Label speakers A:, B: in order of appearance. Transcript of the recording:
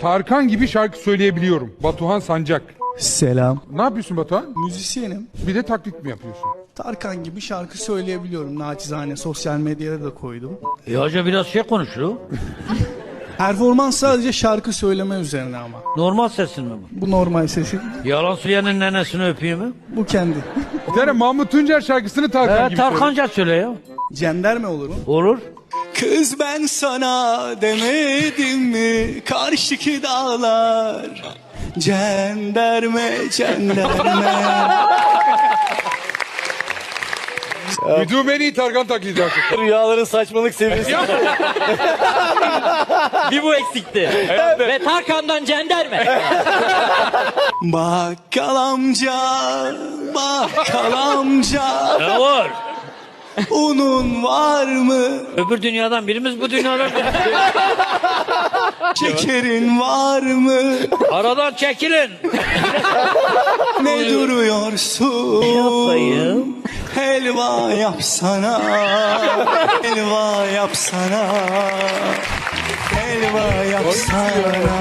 A: Tarkan gibi şarkı söyleyebiliyorum. Batuhan Sancak.
B: Selam.
A: Ne yapıyorsun Batuhan?
B: Müzisyenim.
A: Bir de taklit mi yapıyorsun?
B: Tarkan gibi şarkı söyleyebiliyorum. Naçizane sosyal medyaya da koydum.
C: Hoca biraz şey konuşuyor.
B: Performans sadece şarkı söyleme üzerine ama.
C: Normal sesin mi bu?
B: Bu normal sesi.
C: Yalan söyleyenin nenesini öpeyim mi?
B: Bu kendi.
A: Bir tane Mahmut Tuncer şarkısını Tarkan gibi söyle.
C: Tarkanca söyle ya.
B: Cenderme olur mu?
C: Olur.
B: Kız ben sana demedim mi karşıki dağlar cenderme cenderme.
A: Duyduğum en iyi Tarkan taklidi artık.
D: Rüyaların saçmalık seviyesi.
E: Bir bu eksikti. Ve Tarkan'dan cenderme.
B: Bakkal amca, bakkal amca,
C: Ne var?
B: unun var mı?
C: Öbür dünyadan birimiz bu dünyadan birimiz.
B: Şekerin var mı?
C: Aradan çekilin.
B: Ne duruyorsun?
C: Yapayım.
B: Helva yapsana, helva yapsana, helva yapsana.